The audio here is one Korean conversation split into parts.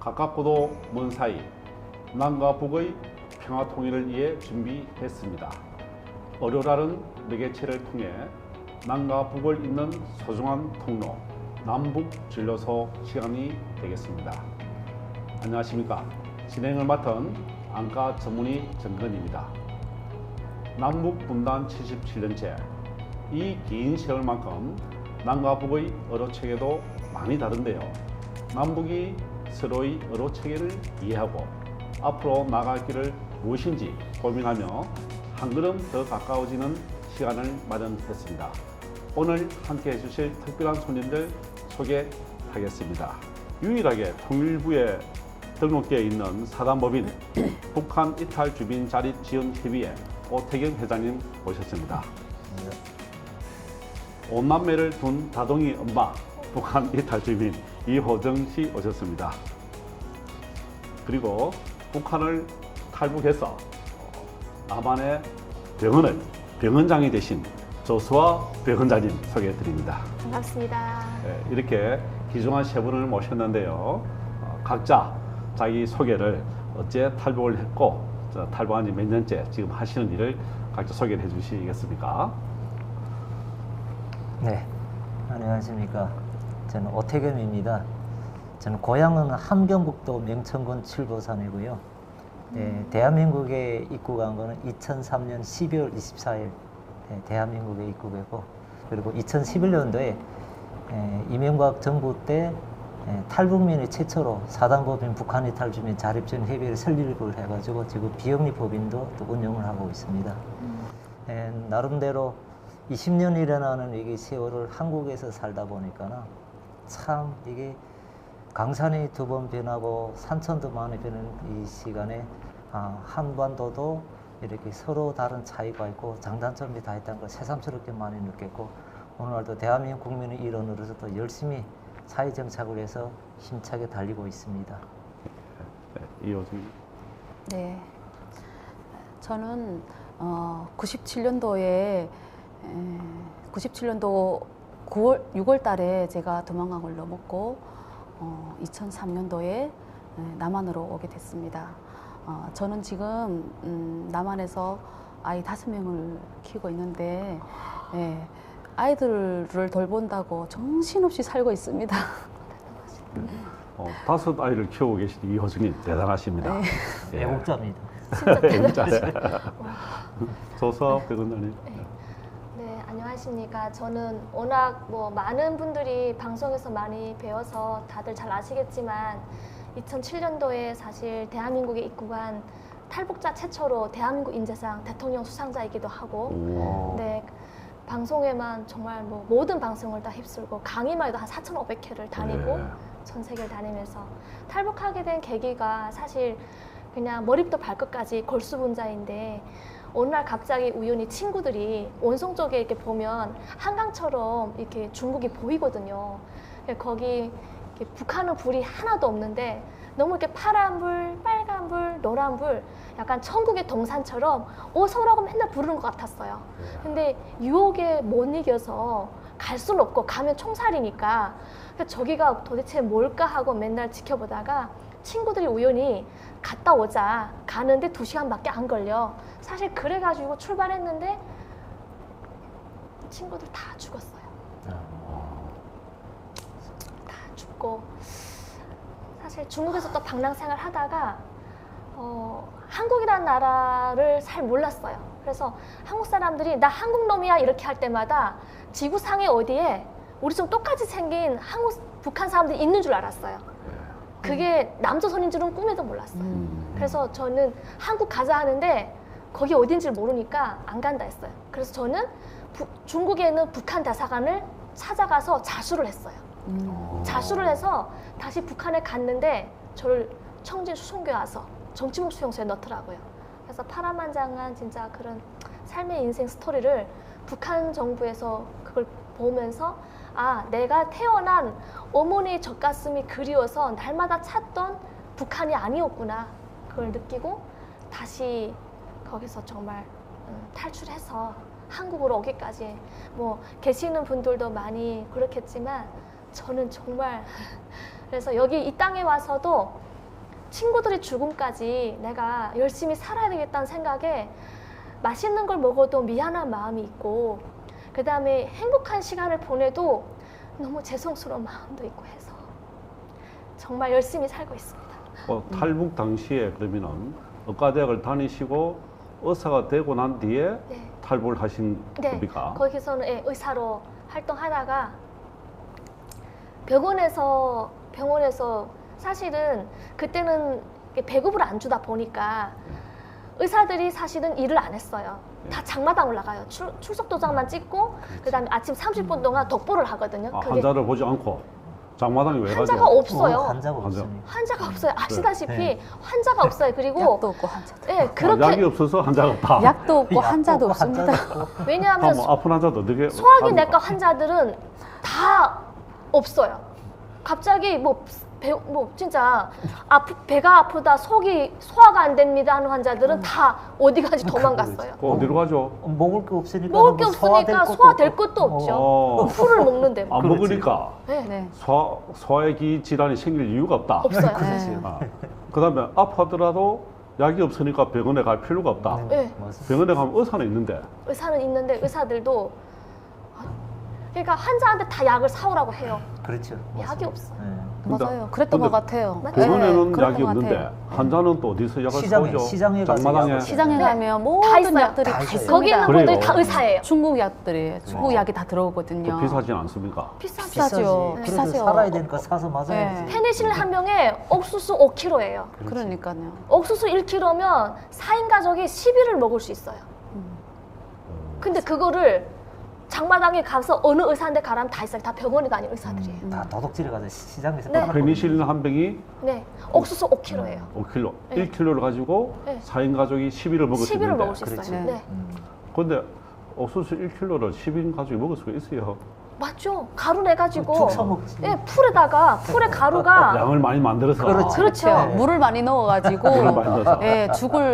가깝고도 먼 사이 남과 북의 평화 통일을 위해 준비했습니다. 어려라는 매개체를 통해 남과 북을 잇는 소중한 통로 남북 진료소 시간이 되겠습니다. 안녕하십니까. 진행을 맡은 안과 전문의 정근입니다. 남북 분단 77년째 이 긴 세월만큼 남과 북의 언어 체계도 많이 다른데요. 남북이 서로의 언어 체계를 이해하고 앞으로 나갈 길을 무엇인지 고민하며 한 걸음 더 가까워지는 시간을 마련했습니다. 오늘 함께 해주실 특별한 손님들 소개하겠습니다. 유일하게 통일부에 등록되어 있는 사단법인 북한 이탈 주민 자립 지원 협의회 오태경 회장님 모셨습니다. 온남매를 둔 다둥이 엄마 북한 이탈 주민 이호정 씨 오셨습니다. 그리고 북한을 탈북해서 남한의 병원장이 되신 조수아 병원장님 소개해 드립니다. 반갑습니다. 네, 이렇게 귀중한 세 분을 모셨는데요. 각자 자기 소개를 어째 탈북을 했고 탈북한 지 몇 년째 지금 하시는 일을 각자 소개를 해 주시겠습니까? 네, 안녕하십니까. 저는 오태겸입니다. 저는 고향은 함경북도 명천군 칠보산이고요. 네, 대한민국에 입국한 거는 2003년 12월 24일 대한민국에 입국했고, 그리고 2011년도에 이명박 정부 때 탈북민이 최초로 사단법인 북한 이탈 주민 자립지원 협의회를 설립을 해가지고 지금 비영리법인도 또 운영을 하고 있습니다. 나름대로 20년 일어나는 이게 세월을 한국에서 살다 보니까 참 이게 강산이 두 번 변하고 산천도 많이 변하는 이 시간에 한반도도 이렇게 서로 다른 차이가 있고 장단점이 다 있다는 걸 새삼스럽게 많이 느꼈고, 오늘날도 대한민국 국민의 일원으로서 또 열심히 사회 정착을 해서 힘차게 달리고 있습니다. 네, 이호정. 네, 저는 97년도에 6월 달에 제가 도망강을 넘었고 2003년도에 남한으로 오게 됐습니다. 저는 지금 남한에서 아이 5명을 키우고 있는데 아이들을 돌본다고 정신없이 살고 있습니다. 5 아이를 키우고 계신 이호정님 대단하십니다. 네. 예. 애국자입니다. 진짜 대단하시죠. 조수아 병원장님. 네, 안녕하십니까. 저는 워낙 많은 분들이 방송에서 많이 배워서 다들 잘 아시겠지만 2007년도에 사실 대한민국에 입국한 탈북자 최초로 대한민국 인재상 대통령 수상자이기도 하고, 네, 방송에만 정말 모든 방송을 다 휩쓸고 강의만 해도 한 4,500회를 다니고 전 세계를 다니면서 탈북하게 된 계기가 사실 그냥 머리부터 발끝까지 골수분자인데, 어느 날 갑자기 우연히 친구들이 원성 쪽에 이렇게 보면 한강처럼 이렇게 중국이 보이거든요. 거기 이렇게 북한은 불이 하나도 없는데 너무 이렇게 파란불, 빨간불, 노란불, 약간 천국의 동산처럼 어서 오라고 맨날 부르는 것 같았어요. 근데 유혹에 못 이겨서 갈 수는 없고 가면 총살이니까 저기가 도대체 뭘까 하고 맨날 지켜보다가 친구들이 우연히 갔다 오자, 가는데 2시간밖에 안 걸려. 사실 그래가지고 출발했는데 친구들 다 죽었어요. 다 죽고, 사실 중국에서 또 방랑생활 하다가 한국이라는 나라를 잘 몰랐어요. 그래서 한국 사람들이 나 한국 놈이야 이렇게 할 때마다 지구상에 어디에 우리 좀 똑같이 생긴 북한 사람들이 있는 줄 알았어요. 그게 남조선인 줄은 꿈에도 몰랐어요. 그래서 저는 한국 가자 하는데 거기 어딘지 모르니까 안 간다 했어요. 그래서 저는 중국에 있는 북한 대사관을 찾아가서 자수를 했어요. 자수를 해서 다시 북한에 갔는데 저를 청진 수송교에 와서 정치복 수용소에 넣더라고요. 그래서 파란만장한 진짜 그런 삶의 인생 스토리를 북한 정부에서 그걸 보면서 내가 태어난 어머니의 젖가슴이 그리워서 날마다 찾던 북한이 아니었구나, 그걸 느끼고 다시 거기서 정말 탈출해서 한국으로 오기까지 계시는 분들도 많이 그렇겠지만 저는 정말 그래서 여기 이 땅에 와서도 친구들의 죽음까지 내가 열심히 살아야 되겠다는 생각에 맛있는 걸 먹어도 미안한 마음이 있고 그 다음에 행복한 시간을 보내도 너무 죄송스러운 마음도 있고 해서 정말 열심히 살고 있습니다. 탈북 당시에 그러면은 의과대학을 다니시고 의사가 되고 난 뒤에 네. 탈북을 하신 네, 겁니까? 거기서는 예, 의사로 활동하다가 병원에서 사실은 그때는 배급을 안 주다 보니까 의사들이 사실은 일을 안 했어요. 다 장마당 올라가요. 출석 도장만 찍고 그다음에 아침 30분 동안 독보를 하거든요. 아, 그게 환자를 보지 않고 장마당에 왜 가죠? 환자가 없어요. 환자가 환자. 없습니다. 환자가 없어요. 아시다시피 네. 환자가 없어요. 그리고 약도 없고 환자도. 예, 그렇게 약이 없어서 환자가 없다. 약도 없고 약도 환자도 없고 없습니다. 환자도 없고. 왜냐하면 뭐 아픈 환자도 어떻게 소화기 합니까? 내과 환자들은 다 없어요. 갑자기 진짜 배가 아프다, 소화가 안 됩니다 하는 환자들은 다 어디 가지 도망갔어요. 어디로 가죠? 먹을 게 없으니까 먹을 게 없으니까 소화될 것도 없죠. 풀을 먹는데 뭐. 안 먹으니까 네. 네. 소화기 질환이 생길 이유가 없다. 없어요. 네. 그다음에 아파하더라도 약이 없으니까 병원에 갈 필요가 없다. 네. 맞습니다. 병원에 가면 의사는 있는데 의사는 있는데 의사들도 그러니까 환자한테 다 약을 사오라고 해요. 그렇죠. 약이 맞습니다. 없어요. 네. 맞아요. 그랬던 근데 것 같아요. 맞아요. 병원에는 그랬던 약이 것 없는데 같아요. 환자는 또 어디서 약을 시장에, 사오죠? 시장에 가서 장마당에 약을 시장에 네. 가면 다 모든 있어요. 약들이 다 다 있어요. 있습니다. 거기 있는 그래요? 분들이 다 의사예요. 중국 약들이 중국 약이 다 들어오거든요. 또 비싸진 않습니까? 비싸죠. 비싸죠. 그래도 비싸죠. 살아야 되니까 사서 맞아야지. 네. 페니실린 한 병에 옥수수 5kg예요. 그러니까요. 옥수수 1kg면 4인 가족이 10일을 먹을 수 있어요. 근데 그거를 장마당에 가서 어느 의사한테 가라면 다 있어요. 다 병원에 다니는 의사들이에요. 다 도둑질에 가서 시장에서 네. 팔아먹고 페니실린 한 병이 네, 옥수수 5kg예요. 5kg, 네. 1kg를 가지고 네. 4인 가족이 10일을 먹을 수 10일을 있는데 먹을 수 있어요. 그렇지. 네. 네. 근데 옥수수 1kg를 10인 가족이 먹을 수가 있어요. 맞죠? 가루 내가지고 죽 처먹지. 예, 풀에 가루가 양을 많이 만들어서 그렇지. 그렇죠. 네. 물을 많이 넣어가지고 물을 많이 넣어서. 예,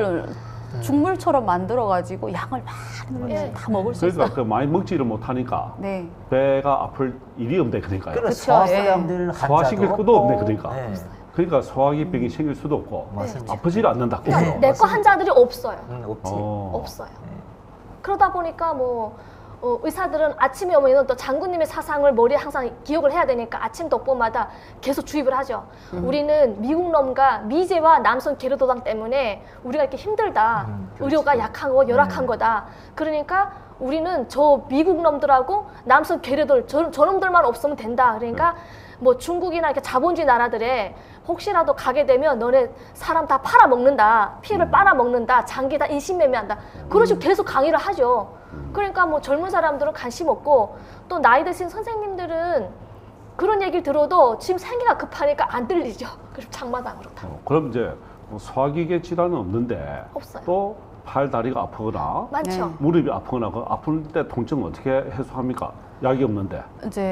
죽물처럼 만들어가지고 양을 많이 예. 다 먹을 수 있어요. 그러니까 그 많이 먹지를 못하니까 네. 배가 아플 일이 없네 그러니까요. 그래 그쵸, 소화소량들 소화시킬 것도 없네, 그러니까. 네. 그러니까 소화기병이 생길 수도 없고 맞습니다. 아프지를 않는다. 네. 그죠? 내과 환자들이 없어요. 없지. 없어요. 그러다 보니까 의사들은 아침에 오면 또 장군님의 사상을 머리에 항상 기억을 해야 되니까 아침 독보마다 계속 주입을 하죠. 우리는 미국 놈과 미제와 남선 게르도당 때문에 우리가 이렇게 힘들다. 그렇지. 의료가 약하고 열악한 네. 거다. 그러니까 우리는 저 미국 놈들하고 남선 게르돌 저놈들만 없으면 된다. 그러니까 뭐 중국이나 이렇게 자본주의 나라들에 혹시라도 가게 되면 너네 사람 다 팔아먹는다. 피해를 빨아먹는다. 장기 다 인신매매한다. 그런 식으로 계속 강의를 하죠. 그러니까 뭐 젊은 사람들은 관심 없고 또 나이 드신 선생님들은 그런 얘기를 들어도 지금 생기가 급하니까 안 들리죠. 그래서 장마당으로 다. 그럼 이제 소화기계 질환은 없는데 없어요. 또 팔 다리가 아프거나 많죠. 네. 무릎이 아프거나 그 아플 때 통증은 어떻게 해소합니까? 약이 없는데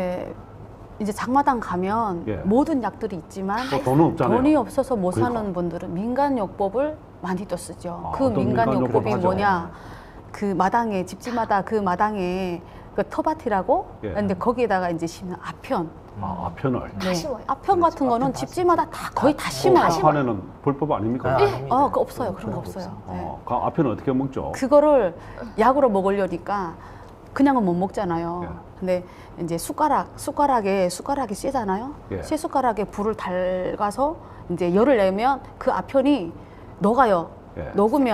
이제 장마당 가면 예. 모든 약들이 있지만 또 돈은 없잖아요. 돈이 없어서 못 그러니까. 사는 분들은 민간요법을 많이 또 쓰죠. 아, 그 어떤 민간요법이 민간요법 뭐냐? 그 마당에 집집마다 그 마당에 그 터밭이라고 예. 근데 거기에다가 이제 심는 아편. 아편을 다 심어요. 아편 그렇지. 같은 거는 아편 다 집집마다 다 거의 다 다 심어요. 심어요. 아판에는 불법 아닙니까? 아, 예. 아닙니다. 그거 없어요. 그런 거 없어요. 네. 그 아편은 어떻게 먹죠? 그거를 약으로 먹으려니까 그냥은 못 먹잖아요. 예. 근데 이제 숟가락이 쇠잖아요. 예. 쇠 숟가락에 불을 달가서 이제 열을 내면 그 아편이 녹아요. 예.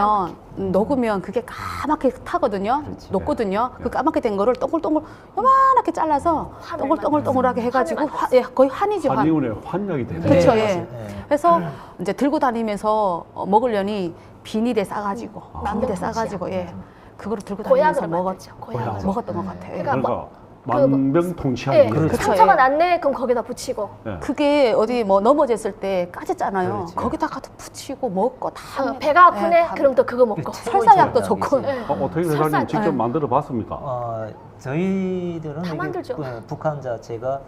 녹으면 그게 까맣게 타거든요. 그렇지. 녹거든요. 예. 그 까맣게 된 거를 동글동글 요만하게 잘라서 환을 동글동글동글하게 해가지고 거의 환이지 환. 한의원의 환약이 되네. 그렇죠. 네, 예. 맞아요. 네. 그래서 이제 들고 다니면서 먹으려니 비닐에 싸가지고 비닐에 싸가지고 예. 그거를 들고 다니면서 고약으로 만들죠. 고약으로. 먹었던 것 같아요. 예. 그러니까 그러니까 그 만병통치약이 그렇죠. 상처가 예. 났네. 그럼 거기다 붙이고. 예. 그게 어디 뭐 넘어졌을 때 까졌잖아요. 그렇지. 거기다가 또 붙이고 먹고 다 합니다. 배가 아프네. 예, 다 그럼 또 그거 먹고. 설사약도 좋고. 예. 어떻게 설사- 회장님 직접 예. 만들어 봤습니까? 저희들은 다 이게 만들죠. 북한 자체가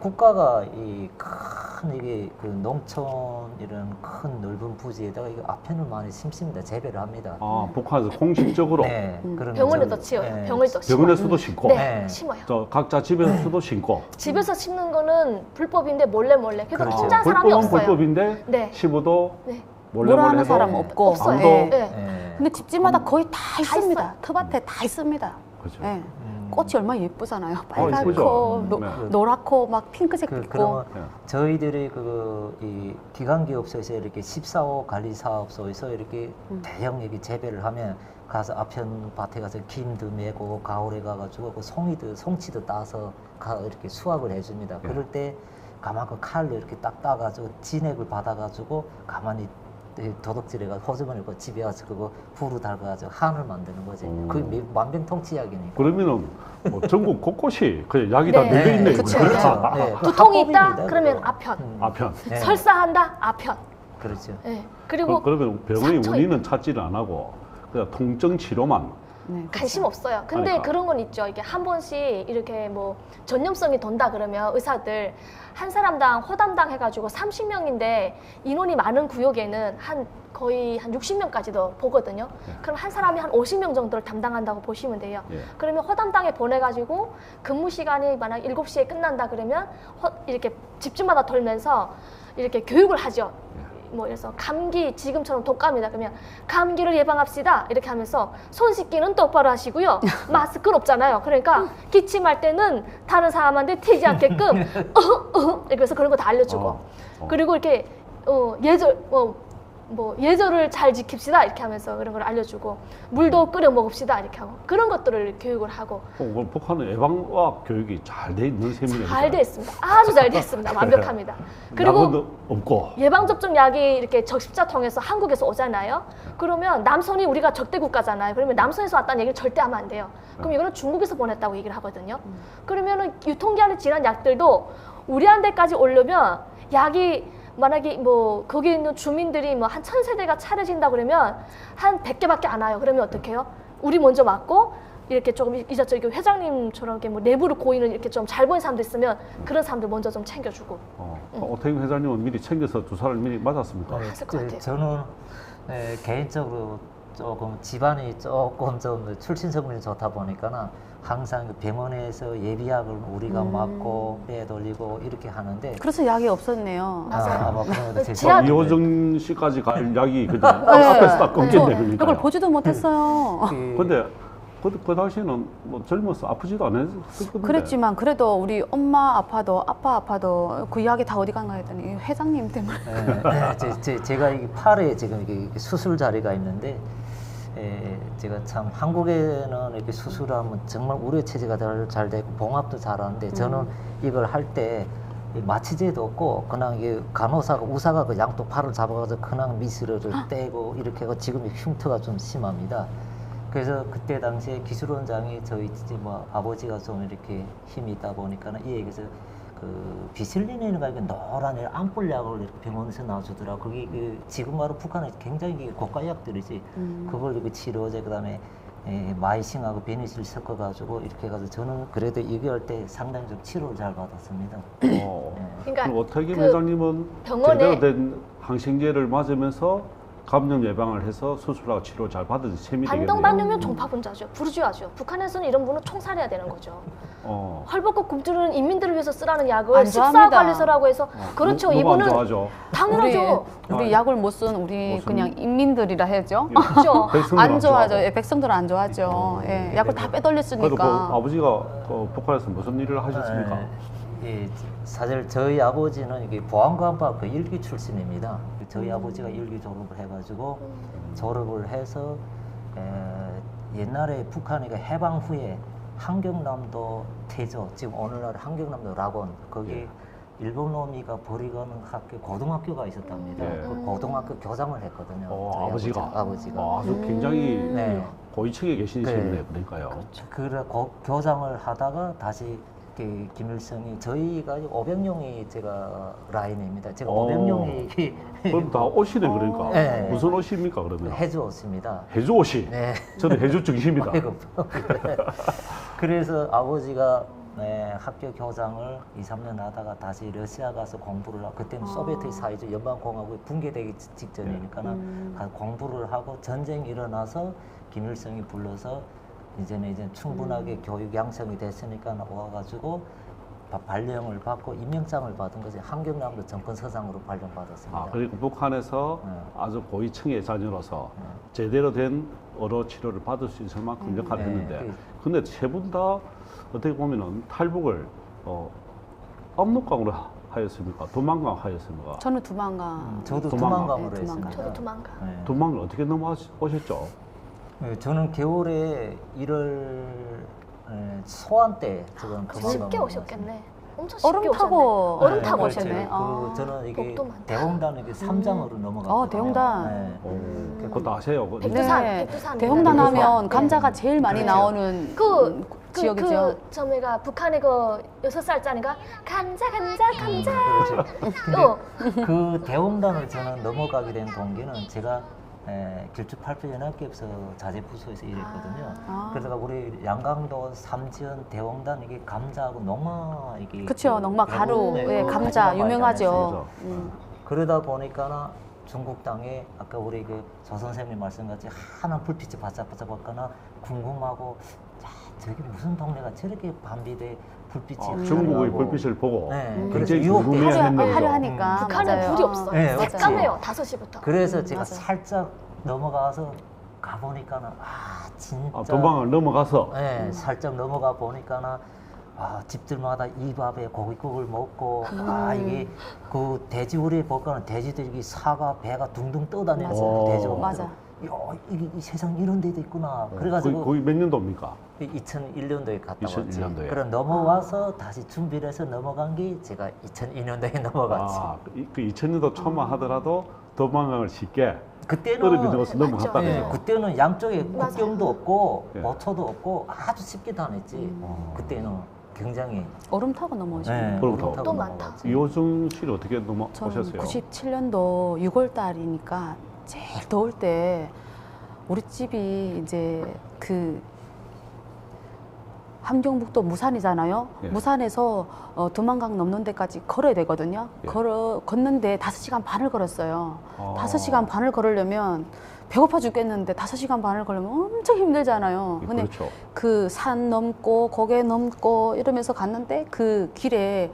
국가가 이 큰 이게 그 농촌 이런 큰 넓은 부지에다가 이거 아편을 많이 심습니다. 재배를 합니다. 아, 북한에서 공식적으로 네, 그러면 병원에도 저기, 치워요. 네, 병원에도 심어요. 병원에서도 심고, 네, 네. 심어요. 저 각자 집에서도 심고. 집에서 심는 거는 불법인데 몰래. 그래서 그렇죠. 혼자 한 사람이 불법은 없어요. 불법인데 네. 시부도 네. 몰래 뭐라 하는 해도 사람 없고. 없어요. 아무도 예. 네. 네. 근데 집집마다 거의 다 있습니다. 있어요. 텃밭에 다 있습니다. 그렇죠. 예. 꽃이 얼마나 예쁘잖아요. 예쁘죠. 빨갛고 네. 노랗고 막 핑크색도 있고. 그러면 네. 저희들이 이 기관기업소에서 이렇게 14호 관리사업소에서 이렇게 대형 이렇게 재배를 하면 가서 아편 밭에 가서 김도 메고 가을에 가가지고 그 송치도 따서 이렇게 수확을 해줍니다. 네. 그럴 때 가만 그 칼로 이렇게 딱 따가지고 진액을 받아가지고 가만히 도둑질해가 호주머니 그 집에 와서 그거 불을 달가지고 한을 만드는 거지. 그게 만병통치약이니까. 그러면은 뭐 전국 곳곳이 그 약이 다 네. 널려 있네. 그쵸. 네. 두통이 있다? 합법입니다, 그러면 그거. 아편. 아편. 네. 설사한다? 아편. 그렇죠. 네. 그리고 그러면 병의 상처 원인은 찾지를 안 하고 그냥 통증 치료만. 네, 그렇죠. 관심 없어요. 근데 하니까. 그런 건 있죠. 이게 한 번씩 이렇게 뭐 전염성이 돈다 그러면 의사들 한 사람당 호담당 해가지고 30명인데 인원이 많은 구역에는 거의 한 60명까지도 보거든요. 네. 그럼 한 사람이 한 50명 정도를 담당한다고 보시면 돼요. 예. 그러면 호담당에 보내가지고 근무 시간이 만약 7시에 끝난다 그러면 이렇게 집집마다 돌면서 이렇게 교육을 하죠. 뭐 그래서 감기 지금처럼 독감이다 그러면 감기를 예방합시다 이렇게 하면서 손 씻기는 똑바로 하시고요. 마스크는 없잖아요. 그러니까 기침할 때는 다른 사람한테 튀지 않게끔 이렇게 해서 그런 거 다 알려주고 그리고 이렇게 예절을 잘 지킵시다 이렇게 하면서 그런 걸 알려주고 물도 끓여 먹읍시다 이렇게 하고 그런 것들을 교육을 하고 북한은 예방과학 교육이 잘 돼 있는 셈이네요. 잘 돼 있습니다. 아주 잘 돼 있습니다. 완벽합니다. 그리고 약은 없고. 예방접종 약이 이렇게 적십자 통해서 한국에서 오잖아요. 그러면 남선이 우리가 적대 국가잖아요. 그러면 남선에서 왔다는 얘기를 절대 하면 안 돼요. 그럼 이거는 중국에서 보냈다고 얘기를 하거든요. 그러면은 유통기한이 지난 약들도 우리한테까지 오려면 약이 만약에 뭐 거기 있는 주민들이 뭐 한 1000세대가 차려진다 그러면 한 100개밖에 안 와요. 그러면 어떡해요? 우리 먼저 맞고 이렇게 조금 이제 회장님처럼 이렇게 뭐 내부를 고이는 이렇게 좀 잘 보이는 사람도 있으면 그런 사람들 먼저 좀 챙겨주고. 오태경 회장님은 미리 챙겨서 주사를 미리 맞았습니까? 했을 것 같아요. 저는 개인적으로 조금 집안이 조금 좀 출신 성분이 좋다 보니까는 항상 그 병원에서 예비약을 우리가 맞고 빼돌리고 이렇게 하는데 그래서 약이 없었네요. 뭐 그런 것도 지하- 이호정 씨까지 갈 약이 그냥 앞에서 딱 끊겠네 저 그러니까. 이걸 보지도 못했어요. 근데 그 당시에는 뭐 젊어서 아프지도 않았거든요. 그랬지만 그래도 우리 엄마 아파도 아빠 아파도 그 이야기 다 어디 간가 했더니 회장님 때문에. 제가 이 팔에 지금 이게 수술 자리가 있는데 제가 참 한국에는 이렇게 수술하면 정말 우려 체제가 잘 되고 봉합도 잘하는데 저는 이걸 할 때 마취제도 없고 그냥 이게 간호사가 의사가 그 양쪽 팔을 잡아가지고 그냥 미스를 떼고 이렇게 하고 지금 흉터가 좀 심합니다. 그래서 그때 당시에 기술원장이 저희 뭐 아버지가 좀 이렇게 힘이 있다 보니까는 이 얘기에서 그 비슬린이가 이게 노란 암뿔약을 이렇게 병원에서 놔주더라고. 그게 지금 바로 북한에 굉장히 고가 약들이지. 그걸 이렇게 치료제 그다음에 마이싱하고 베니실 섞어가지고 이렇게 해가지고 저는 그래도 이거 할 때 상당히 좀 치료를 잘 받았습니다. 그러니까 그럼 오태경 그 회장님은 병원에- 제대로 된 항생제를 맞으면서 감염 예방을 해서 수술하고 치료 잘 받은 셈이 되겠네요. 반동반용면 종파분자죠. 부르주아죠. 북한에서는 이런 분은 총살해야 되는 거죠. 헐벗고 굶주리는 인민들을 위해서 쓰라는 약을 안 좋아합니다. 식사관리소라고 해서 그렇죠. 누가 안 이분은 좋아하죠? 당연하죠. 우리 약을 못 쓴 우리 무슨- 그냥 인민들이라 해야죠. 그렇죠. 백성들은 안 좋아하죠. 좋아하고. 예, 백성들은 안 좋아하죠. 예, 약을 다 그래도 빼돌렸으니까. 그 아버지가 그 북한에서 무슨 일을 하셨습니까? 사실 저희 아버지는 이게 보안관과 그 일기 출신입니다. 저희 아버지가 일기 졸업을 해가지고 졸업을 해서 옛날에 북한이 해방 후에 한경남도 태조 지금 오늘날 한경남도 락원 거기 일본 놈이가 버리가는 학교 고등학교가 있었답니다. 네. 그 고등학교 교장을 했거든요. 저희 아버지가 아버지가. 아주 굉장히 네. 고위층에 계신 네. 분이네요. 그러니까요. 그래 교장을 하다가 다시 김일성이 저희가 500명이 제가 라인입니다. 제가 500명이 그럼 다 옷이네 그러니까. 네. 무슨 옷입니까 그러면? 해주었습니다. 해주 옷이. 네. 저는 해주 증시입니다. 그래서 아버지가 학교 교장을 2, 3년 하다가 다시 러시아 가서 공부를 하고 그때는 소비에트 사회주의 연방공화국이 붕괴되기 직전이니까 가서 공부를 하고 전쟁이 일어나서 김일성이 불러서 이제 충분하게 교육 양성이 됐으니까 와가지고 발령을 받고 임명장을 받은 것이 한경남도 정권서장으로 발령받았습니다. 그리고 북한에서 아주 고위층의 자녀로서 제대로 된 언어 치료를 받을 수 있을 만큼 역할을 했는데, 근데 세 분 다 어떻게 보면은 탈북을 압록강으로 하였습니까? 도망강 하였습니까? 저는 두만강. 저도 도망강. 도망강으로 네, 했습니다. 저도 도망가. 네. 도망을 어떻게 넘어오셨죠? 저는 겨울에 1월 소환 때 저는 쉽게 오셨겠네. 엄청 쉽게 얼음 오셨네. 타고 얼음 타고 그렇지. 오셨네. 그리고 저는 이게 복도 많다. 대홍단 이게 삼장으로 넘어갔거든요. 대홍단. 그것도 아세요? 백두산, 네. 백두산. 대홍단 백두산. 하면 감자가 제일 많이 그렇죠. 나오는 지역이죠. 저희가 북한의 그 6살짜리가 감자. 그 대홍단을 저는 넘어가게 된 동기는 제가 길주 8표 연합기업서 자재부서에서 일했거든요. 그러다가 우리 양강도 삼지연 대홍단 이게 감자하고 농마 이게 그렇죠. 농마 가루, 예, 감자 많이 유명하죠. 다녔어요. 그러다 보니까 중국 땅에 아까 우리 그 조 선생님 말씀같이 하얀 불빛이 바짝바짝거나 궁금하고 저기 무슨 동네가 저렇게 밤비대 불빛이 중국의 나고. 불빛을 보고 그래서 굉장히 유혹돼요. 궁금해했는데도 화려하니까. 북한은 맞아요. 불이 없어. 네, 깜깜해요. 5시부터. 그래서 제가 맞아. 살짝 넘어가서 가보니까는 진짜 도망을 넘어가서 살짝 넘어가 보니까는 집들마다 이밥에 고깃국을 먹고 이게 그 돼지우리에 볼까는 돼지들이 사과 배가 둥둥 떠다니면서 돼지가 맞아. 야, 이게 이 세상 이런 데도 있구나. 그래가지고 거의 몇 년도입니까? 2001년도에 갔다 2001 년도에. 왔지. 그럼 넘어와서 다시 준비를 해서 넘어간 게 제가 2002년도에 넘어갔지. 그 2000년도 초만 하더라도 도망강을 쉽게 그때는 떨어지면서 넘어갔다는 예, 거죠. 그때는 양쪽에 맞아요. 국경도 없고 예. 모초도 없고 아주 쉽게 다녔지. 그때는 굉장히 얼음 타고 넘어오시네요. 그럼 얼음 타고 또 많다. 넘어갔지. 이호중 씨는 어떻게 저는 넘어오셨어요? 97년도 6월 달이니까 제일 더울 때 우리 집이 이제 그 함경북도 무산이잖아요. 예. 무산에서 두만강 넘는 데까지 걸어야 되거든요. 예. 걷는데 5시간 반을 걸었어요. 아. 5시간 반을 걸으려면 배고파 죽겠는데 5시간 반을 걸으면 엄청 힘들잖아요. 예, 근데 그렇죠. 그 산 넘고 고개 넘고 이러면서 갔는데 그 길에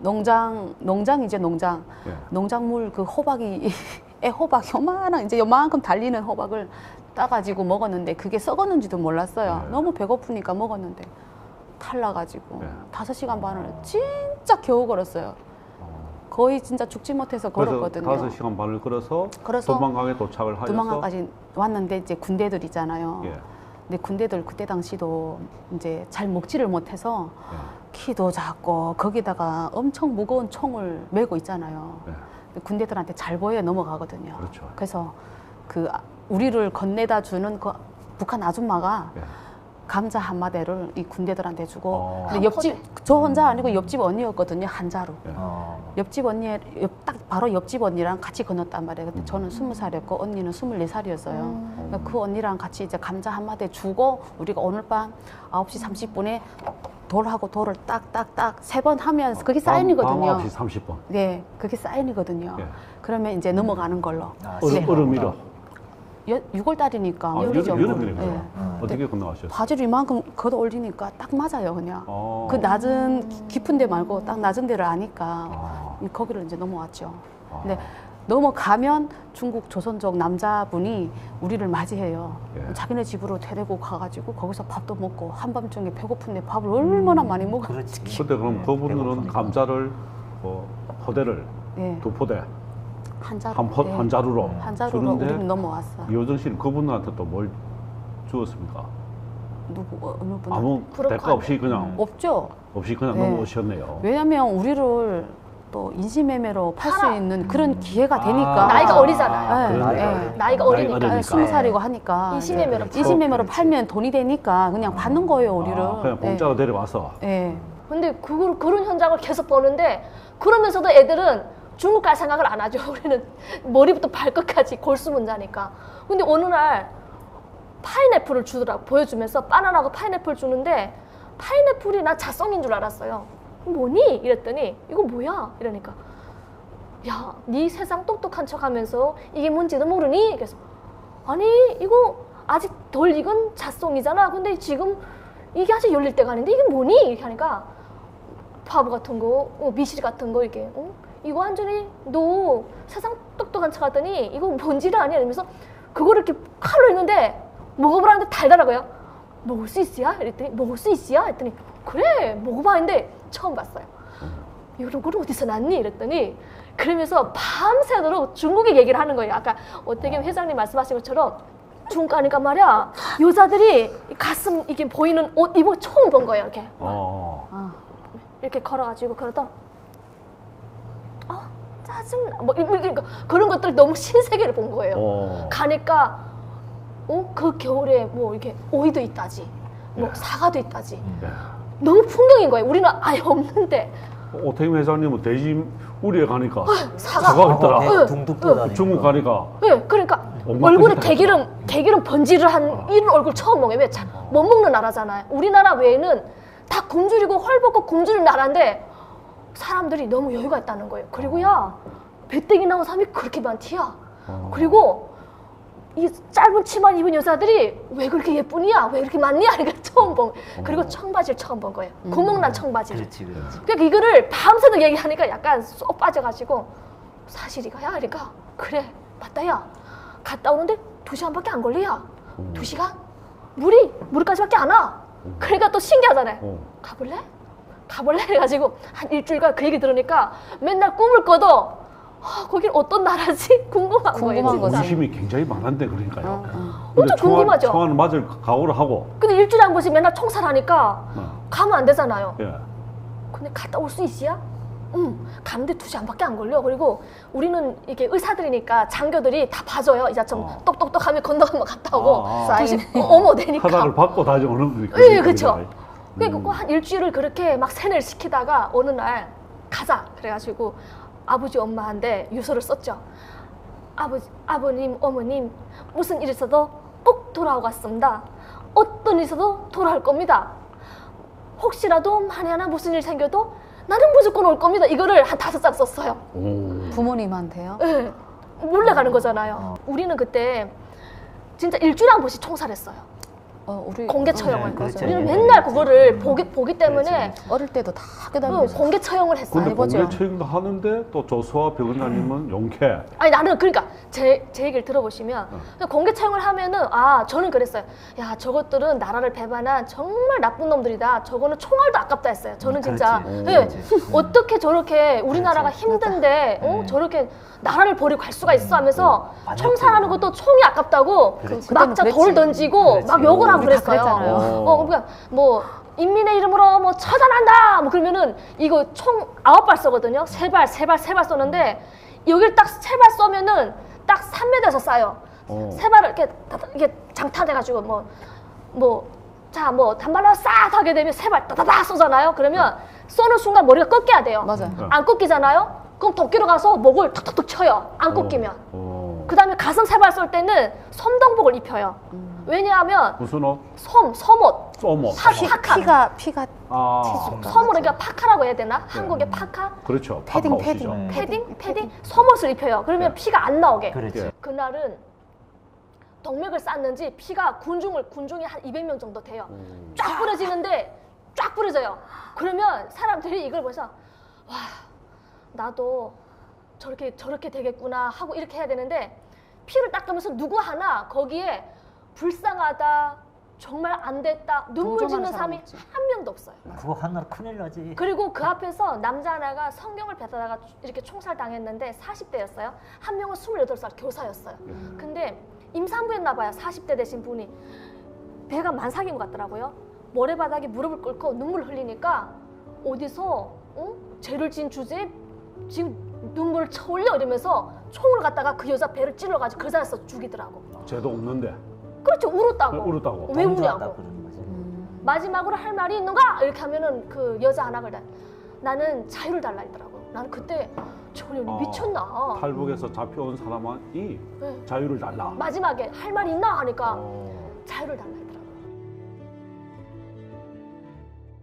농장이죠, 농장. 예. 농작물 그 호박이 애호박 요만큼 달리는 호박을 따가지고 먹었는데 그게 썩었는지도 몰랐어요. 네. 너무 배고프니까 먹었는데 탈라가지고 네. 5시간 반을 진짜 겨우 걸었어요. 거의 진짜 죽지 못해서 걸었거든요. 그래서 5시간 반을 걸어서 그래서 도망강에 도착을 하여서 두만강까지 왔는데 이제 군대들 있잖아요. 예. 근데 군대들 그때 당시도 이제 잘 먹지를 못해서 예. 키도 작고 거기다가 엄청 무거운 총을 메고 있잖아요. 예. 근데 군대들한테 잘 보여 넘어가거든요. 그렇죠. 그래서 그 우리를 건네다 주는 그 북한 아줌마가 예. 감자 한 마대를 이 군대들한테 주고 근데 한 옆집 저 혼자 아니고 옆집 언니였거든요. 한자로. 예. 옆집 언니 딱 바로 옆집 언니랑 같이 건넜단 말이에요. 그때 저는 20살이었고 언니는 24살이었어요. 그러니까 그 언니랑 같이 이제 감자 한 마대 주고 우리가 오늘 밤 9시 30분에 돌하고 돌을 딱딱딱 3번 하면 그게 사인이거든요. 밤 9시 30분. 네, 그게 사인이거든요. 예. 그러면 이제 넘어가는 걸로. 얼음이로. 6월 달이니까 여름이네요. 예. 어떻게 건너가셨어요? 바지를 이만큼 걷어 올리니까 딱 맞아요, 그냥. 어. 그 낮은 깊은 데 말고 딱 낮은 데를 아니까 아. 거기를 이제 넘어왔죠. 근데 넘어가면 중국 조선족 남자분이 우리를 맞이해요. 예. 자기네 집으로 데리고 가가지고 거기서 밥도 먹고 한밤중에 배고픈데 밥을 얼마나 많이 먹었지. 그렇지. 그때 그럼 그분들은 배고프니까. 감자를 포대를 예. 2포대 한자로. 한 자루로 한자루로 주는데 우리는 넘어왔어. 이호정 씨는 그분한테 또 뭘 주었습니까? 누구 어느 분? 아무 대가 없이 그냥 없죠. 그냥 네. 넘어오셨네요. 왜냐면 우리를 또 인신매매로 팔 수 팔아. 있는 그런 기회가 되니까. 나이가 어리잖아요. 네, 나이가 네. 어리니까. 나이가 어리니까. 어리니까. 20살이고 하니까. 인신매매로 팔아. 인신매매로 팔면 돈이 되니까 그냥 받는 거예요, 우리를. 그냥 공짜로 데려와서. 예. 근데 그런 현장을 계속 보는데 그러면서도 애들은 중국 갈 생각을 안 하죠. 우리는 머리부터 발끝까지 골수문자니까. 근데 어느 날 파인애플을 주더라고. 보여주면서 바나나하고 파인애플 주는데 파인애플이 난 자성인 줄 알았어요. 뭐니? 이랬더니 이거 뭐야? 이러니까 야, 네 세상 똑똑한 척하면서 이게 뭔지도 모르니? 그래서 아니 이거 아직 덜 익은 잣송이잖아. 근데 지금 이게 아직 열릴 때가 아닌데 이게 뭐니? 이렇게 하니까 바보 같은 거, 미실 같은 거 이렇게 이거 완전히 너 세상 똑똑한 척 하더니 이거 뭔지를 아니? 이러면서 그거를 이렇게 칼로 했는데 먹어보라는데 달달하고요. 먹을 수 있어야? 이랬더니 먹을 수 있어야? 했더니 그래 먹어봐 했는데 처음 봤어요. 이런 걸 어디서 났니? 이랬더니 그러면서 밤새도록 중국의 얘기를 하는 거예요. 아까 어떻게 회장님 말씀하신 것처럼 중국 가니까 말이야 여자들이 가슴 이게 보이는 옷 입어 처음 본 거예요. 이렇게 이렇게 걸어가지고 그러다 짜증나 뭐 그런 것들 너무 신세계를 본 거예요. 가니까 그 겨울에 뭐 이렇게 오이도 있다지 뭐 사과도 있다지 너무 풍경인 거예요. 우리는 아예 없는데 오태임 회장님은 돼지 우리에 가니까 사과가 있더라. 둥둥 다니고. 중국 가니까 네, 그러니까 얼굴에 개기름 번지를 한 이런 얼굴 처음 먹어요. 왜? 못 먹는 나라잖아요. 우리나라 외에는 다 굶주리고 헐벗고 굶주린 나라인데 사람들이 너무 여유가 있다는 거예요. 그리고 야 배때기 나온 사람이 그렇게 많디야. 그리고 이 짧은 치마 입은 여자들이 왜 그렇게 예쁘냐? 왜 그렇게 많냐? 이걸 처음 본 거예요. 그리고 청바지를 처음 본 거예요. 구멍난 청바지를. 그렇지. 그러니까 이거를 밤새도록 얘기하니까 약간 쏙 빠져가지고 사실이가야? 그러니까 그래 맞다 야. 갔다 오는데 2시간밖에 안 걸려야. 2시간? 물까지밖에 안 와. 그러니까 또 신기하잖아요. 가볼래? 해가지고 한 일주일간 그 얘기 들으니까 맨날 꿈을 꿔도 거긴 어떤 나라지? 궁금한 거예요. 진짜. 관심이 굉장히 많은데 그러니까요. 엄청 궁금하죠. 총알은 맞을 각오를 하고. 근데 일주일에 한 번씩 맨날 총살하니까 가면 안 되잖아요. 예. 근데 갔다 올 수 있어야? 가는데 2시간밖에 안 걸려. 그리고 우리는 이게 의사들이니까 장교들이 다 봐줘요. 이자처럼 똑똑똑하면 건너가면 갔다 오고. 어머 되니까. 허락을 받고 다시 오는 거니까. 네, 그렇죠. 그러니까 한 일주일을 그렇게 막 세뇌를 시키다가 어느 날 가자. 그래가지고 아버지 엄마한테 유서를 썼죠. 아버님, 어머님 무슨 일 있어도 꼭 돌아오겠습니다. 어떤 일 있어도 돌아올 겁니다. 혹시라도 만에 하나 무슨 일 생겨도 나는 무조건 올 겁니다. 이거를 한 5장 썼어요. 부모님한테요? 네. 몰래 가는 거잖아요. 우리는 그때 진짜 일주일에 한 번씩 총살했어요. 우리 공개 처형을. 그렇죠. 우리는 네. 맨날 그거를 보기 때문에 어릴 때도 다 학교다니면서 공개 처형을 했어요. 근데 해보죠. 공개 처형도 하는데 또 조수아 변호사님은 용케. 아니 나는 그러니까 제 얘기를 들어보시면 공개 처형을 하면은 저는 그랬어요. 야 저것들은 나라를 배반한 정말 나쁜 놈들이다. 저거는 총알도 아깝다 했어요. 저는 진짜 그렇지. 어떻게 저렇게 우리나라가 그렇지. 힘든데 저렇게 나라를 버리고 갈 수가 있어 하면서 맞아. 총살하는 것도 총이 아깝다고 그렇지. 막자 그때는 돌 그랬지. 던지고 그렇지. 막 욕을 하고 우리 다 그랬어요. 그랬잖아요. 그러니까 뭐 인민의 이름으로 뭐 처단한다 뭐 그러면은 이거 총 9발 쏘거든요. 3발 쏘는데 여기를 딱 3발 쏘면은 딱 3m에서 쏴요. 3발을 이렇게 장탄해가지고 단발로 싹 하게 되면 3발 따다다 쏘잖아요. 그러면 쏘는 순간 머리가 꺾여야 돼요. 맞아요. 안 꺾이잖아요. 그럼 도끼로 가서 목을 툭툭툭 쳐요. 안 꺾이면. 그 다음에 가슴 3발 쏠 때는 솜동복을 입혀요. 왜냐하면 무슨 옷? 섬옷. 쏘모. 피가 섬으로 그러니까 파카라고 해야 되나? 한국의 파카? 그렇죠. 패딩, 파카 옷이죠. 패딩. 패딩? 섬옷을 입혀요. 그러면 네. 피가 안 나오게. 그렇지. 그날은 동맥을 쌌는지 피가 군중이 한 200명 정도 돼요. 쫙 뿌려지는데 쫙 뿌려져요. 그러면 사람들이 이걸 보면서 와 나도 저렇게 되겠구나 하고 이렇게 해야 되는데 피를 닦으면서 누구 하나 거기에 불쌍하다 정말 안 됐다 눈물 동정하는 짓는 사람 사람이 없지. 한 명도 없어요. 그거 하나 큰일 나지. 그리고 그 앞에서 남자 하나가 성경을 뱉다가 이렇게 총살 당했는데 40대였어요. 한 명은 28살 교사였어요. 근데 임산부였나 봐요. 40대 되신 분이. 배가 만삭인 것 같더라고요. 모래바닥에 무릎을 꿇고 눈물을 흘리니까 어디서 죄를 지은 주제에 지금 눈물을 쳐올려 이러면서 총을 갖다가 그 여자 배를 찔러가지고 그 자리에서 죽이더라고. 죄도 없는데. 그렇죠. 울었다고. 울었다고. 왜 동조하다 우냐고. 그러는 거지. 마지막으로 할 말이 있는가? 이렇게 하면은 그 여자 하나 그러다 나는 자유를 달라 했더라고. 나는 그때 저년이 미쳤나. 탈북에서 잡혀온 사람이 네. 자유를 달라. 마지막에 할 말이 있나 하니까 자유를 달라 했더라고.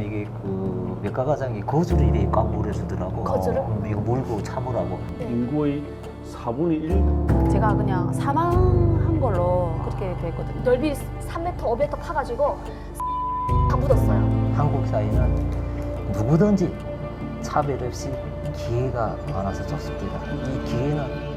이게 그 외과과장이 거주를 이렇게 꽉 물어주더라고. 거주를? 이거 물고 참으라고. 네. 인구의 4분의 1? 제가 그냥 사망한 걸로 그렇게 됐거든요. 넓이 3m, 5m 파가지고 다 묻었어요. 한국 사회는 누구든지 차별 없이 기회가 많아서 좋습니다. 이 기회는